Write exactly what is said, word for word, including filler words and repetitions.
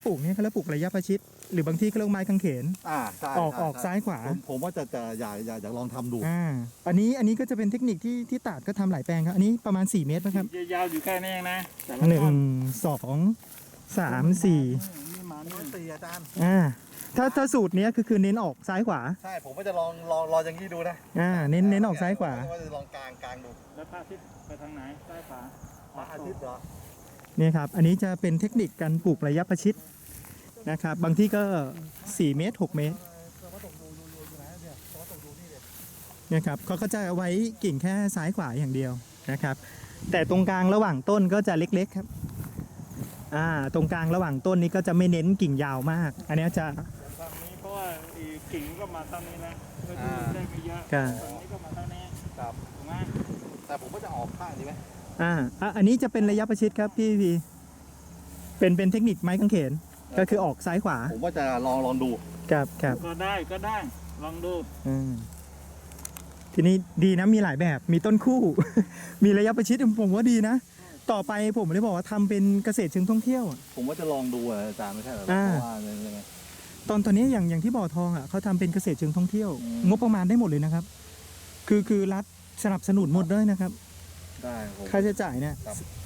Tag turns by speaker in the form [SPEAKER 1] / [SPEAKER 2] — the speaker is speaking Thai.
[SPEAKER 1] ปลูกเนี่ยเขาเรียกปลูกระยะประชิดหรือบางที่เขาเรียกไม้กางเขน
[SPEAKER 2] อ่าใช่
[SPEAKER 1] ออก
[SPEAKER 2] ใช่
[SPEAKER 1] ออก
[SPEAKER 2] ใช่
[SPEAKER 1] ซ้ายขวา
[SPEAKER 2] ผมผมว่าจะจะอยากอยากอยากลองทำดู
[SPEAKER 1] อ่าอันนี้อันนี้ก็จะเป็นเทคนิคที่ที่ตาดก็ทำหลายแปลงครับอันนี้ประมาณสี่เมตรนะครับ
[SPEAKER 3] ยาวๆอยู่แค่นี้เองนะแต่ละ
[SPEAKER 1] หนึ่ง
[SPEAKER 3] ต้น
[SPEAKER 1] สองสามสี่
[SPEAKER 3] นี่มา
[SPEAKER 2] นี่
[SPEAKER 3] นี่
[SPEAKER 2] สี่อาจารย์
[SPEAKER 1] อ่าถ้าถ้าสูตรเนี้ยคือคือเน้นออกซ้ายขวา
[SPEAKER 2] ใช่ผมก็จะลองลองลองอย่างนี้ดูนะ
[SPEAKER 1] อ่าเน้นเน้นออกซ้ายขวา
[SPEAKER 2] ว่าจะลองกลางกลางดู
[SPEAKER 3] แล้วพระอาทิตย์ไปทางไหนซ้ายขวา
[SPEAKER 2] พระอาทิตย์เหรอ
[SPEAKER 1] เนี่ยครับอันนี้จะเป็นเทคนิคการปลูกระยะประชิดนะครับบางที่ก็สี่เมตรหกเมตร
[SPEAKER 2] เราก็ตกดูดูดูอยู่ไหนเนี่ยเราก็ตกดูนี่เลย
[SPEAKER 1] นะครับเขาก็จะเอาไว้กิ่งแค่ซ้ายขวาอย่างเดียวนะครับ แต่ตรงกลางระหว่างต้นก็จะเล็กๆครับอ่าตรงกลางระหว่างต้นนี้ก็จะไม่เน้นกิ่งยาวมาก อันนี้จะ
[SPEAKER 3] ฝั่งนี้เพราะว่าอีกิ่งก็มาเท่านี้นะเพื่อที่ได้ไม่เยอะ
[SPEAKER 1] ครับ
[SPEAKER 3] ฝั่งนี้ก็มาเท่านี้
[SPEAKER 2] ครับ
[SPEAKER 3] ถูกไหม
[SPEAKER 2] แต่ผมก็จะออกข้างดีไหม
[SPEAKER 1] อ่าอ่ะอันนี้จะเป็นระยะประชิดครับพี่พีเป็นเป็นเทคนิคไม้กางเขนก็คือออกซ้ายขวา
[SPEAKER 2] ผมว่าจะลองลองดู
[SPEAKER 1] ครับครับ
[SPEAKER 3] ก็ได้ก็ได้ลองดู
[SPEAKER 1] อืมทีนี้ดีนะมีหลายแบบมีต้นคู่ มีระยะประชิดผมว่าดีนะ ต่อไปผมเลยบอกว่าทำเป็นเกษตรเชิงท่องเที่ยวอะ
[SPEAKER 2] ผมว่าจะลองดูอะอาจารย์ไม่ใช่เหรอ
[SPEAKER 1] อ่า
[SPEAKER 2] เพราะว่ายังไง
[SPEAKER 1] ตอนตอนนี้อย่างอย่างที่บ่อทองอ่ะเขาทำเป็นเกษตรเชิงท่องเที่ยว
[SPEAKER 2] อืม
[SPEAKER 1] งบประมาณได้หมดเลยนะครับ คือคือรัฐสนับสนุนหมดด้วยนะครับ
[SPEAKER 2] ได้ผม
[SPEAKER 1] ค่าใช้จ่ายเนี่ย
[SPEAKER 2] ครับ